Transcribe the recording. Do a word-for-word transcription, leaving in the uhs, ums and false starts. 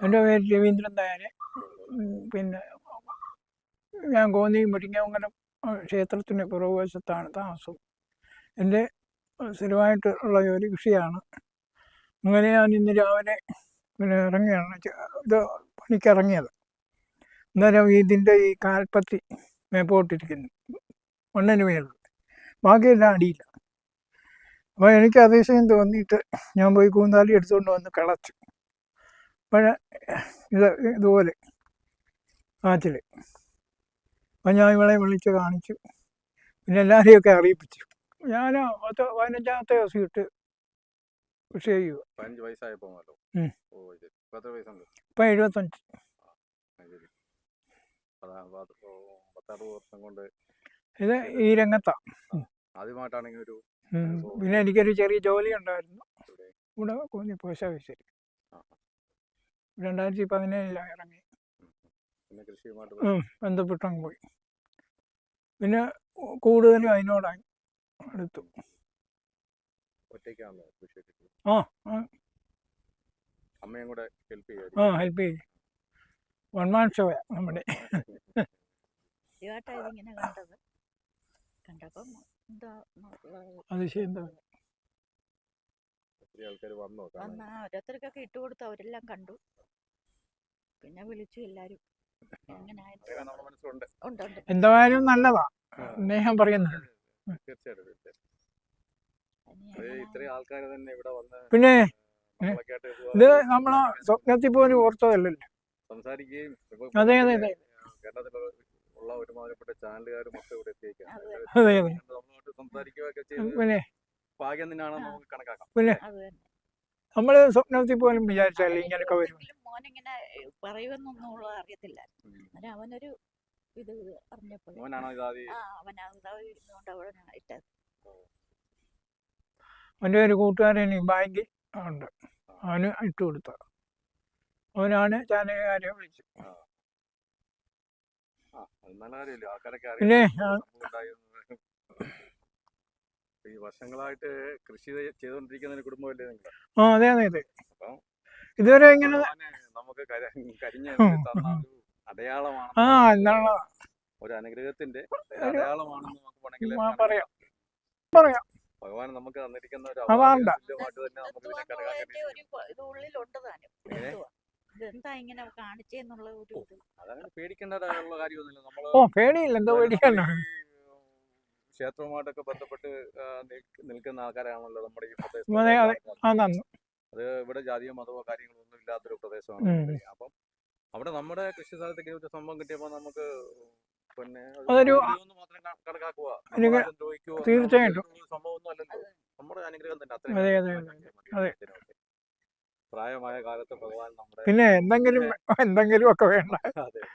എൻ്റെ പേര് രവീന്ദ്രൻ നായർ. പിന്നെ ഞാൻ കോന്നി മുരിങ്ങമംഗലം ക്ഷേത്രത്തിന് പുറകുവശത്താണ് താമസം. എൻ്റെ സ്ഥിരമായിട്ട് ഉള്ള ജോലി കൃഷിയാണ്. അങ്ങനെ ഞാൻ ഇന്ന് രാവിലെ പിന്നെ ഇറങ്ങിയാണ് ഇത് പണിക്കിറങ്ങിയത്. അന്നേരം ഇതിൻ്റെ ഈ കാൽപ്പത്തി മേപ്പോട്ടിരിക്കുന്നു, മണ്ണിന് മേളിൽ, ബാക്കിയെല്ലാം അടിയില്ല. അപ്പോൾ എനിക്ക് അതിശയം തോന്നിയിട്ട് ഞാൻ പോയി കൂന്താലി എടുത്തുകൊണ്ട് വന്ന് കിളച്ചു. അപ്പോൾ ഇത് ഇതുപോലെ കാറ്റിൽ. അപ്പം ഞാൻ ഇവളെ വിളിച്ച് കാണിച്ചു, പിന്നെ എല്ലാവരെയൊക്കെ അറിയിപ്പിച്ചു. ഞാൻ പത്ത് പതിനഞ്ചാമത്തെ ദിവസം ഇട്ട് കൃഷി ചെയ്യുക. ഇപ്പം എഴുപത്തഞ്ച്. ഇത് ഈ രംഗത്താണ് ആദ്യമായിട്ടാണെങ്കിൽ ഒരു പിന്നെ എനിക്കൊരു ചെറിയ ജോലി ഉണ്ടായിരുന്നു ഇവിടെ കോന്നി പോസ്റ്റ് ഓഫീസിൽ. രണ്ടായിരത്തി പതിനേഴിലാണ് ഇറങ്ങി, ബന്ധപ്പെട്ടങ്ങ് പോയി. പിന്നെ കൂടുതലും അതിനോടായി എടുത്തു. ആ ആ ഹെൽപ്പ് ചെയ്യും. വൺ മാൻ ഷോയാ നമ്മുടെ. അതിശയം തോന്നി. ഓരോരുത്തർക്കൊക്കെ ഇട്ട് കൊടുത്തു, അവരെല്ലാം കണ്ടു, പിന്നെ വിളിച്ചു എല്ലാരും. എന്തായാലും നല്ലതാ, സ്നേഹം പറയുന്നത്. പിന്നെ ഇത് നമ്മളെ സ്വപ്നത്തിൽ പോലും ഓർത്തതല്ലല്ലോ. അതെ അതെ അതെ അതെ അതെ. പിന്നെ പിന്നെ നമ്മള് സ്വപ്നത്തിൽ പോലും വിചാരിച്ചല്ലേ ഇങ്ങനൊക്കെ വരും. മോനിങ്ങനെ പറയുമെന്നൊന്നും അറിയത്തില്ല. അവനൊരു ഇത് അറിഞ്ഞപ്പോൾ അവൻ്റെ ഒരു കൂട്ടുകാരൻ ബാങ്കിൽ ഉണ്ട്, അവന് ഇട്ട് കൊടുത്ത അവനാണ് ചാനലുകാരെ വിളിച്ചത്. പിന്നെ ഈ വർഷങ്ങളായിട്ട് കൃഷി ചെയ്തുകൊണ്ടിരിക്കുന്ന ഒരു കുടുംബമല്ലേ നിങ്ങൾ? ആ അതെ അതെ അതെ. ഇതുവരെ ഇങ്ങനെ നമുക്ക് കരിഞ്ഞ അടയാളമാണ്, ആ എന്താണ് ഒരു അനുഗ്രഹത്തിന്റെ അടയാളമാണെന്ന് നമുക്ക് വേണമെങ്കിൽ പറയാം പറയാം. ഭഗവാൻ നമുക്ക് തന്നിരിക്കുന്ന ഒരു അവാർഡ. പേടിക്കേണ്ട കാര്യമൊന്നുമില്ല. നമ്മള് ഓ പേടിയില്ല, എന്താ പേടിക്കാനോ. ക്ഷേത്രവുമായിട്ടൊക്കെ ബന്ധപ്പെട്ട് നിൽക്കുന്ന ആൾക്കാരാണല്ലോ നമ്മുടെ ഈ പ്രദേശം. അത് ഇവിടെ ജാതിയോ മതമോ കാര്യങ്ങളോ ഒന്നും ഇല്ലാത്തൊരു പ്രദേശമാണ്. അപ്പം അവിടെ നമ്മുടെ കൃഷി സ്ഥലത്തേക്ക് ഒരു സംഭവം കിട്ടിയപ്പോൾ നമുക്ക് പിന്നെ മാത്രം കണക്കാക്കുക, തീർച്ചയായിട്ടും സംഭവം ഒന്നും അല്ലല്ലോ, നമ്മുടെ അനുഗ്രഹം തന്നെ. അത്രയും പ്രായമായ കാലത്ത് ഭഗവാൻ നമ്മുടെ പിന്നെ എന്തെങ്കിലും എന്തെങ്കിലും ഒക്കെ വേണ്ട.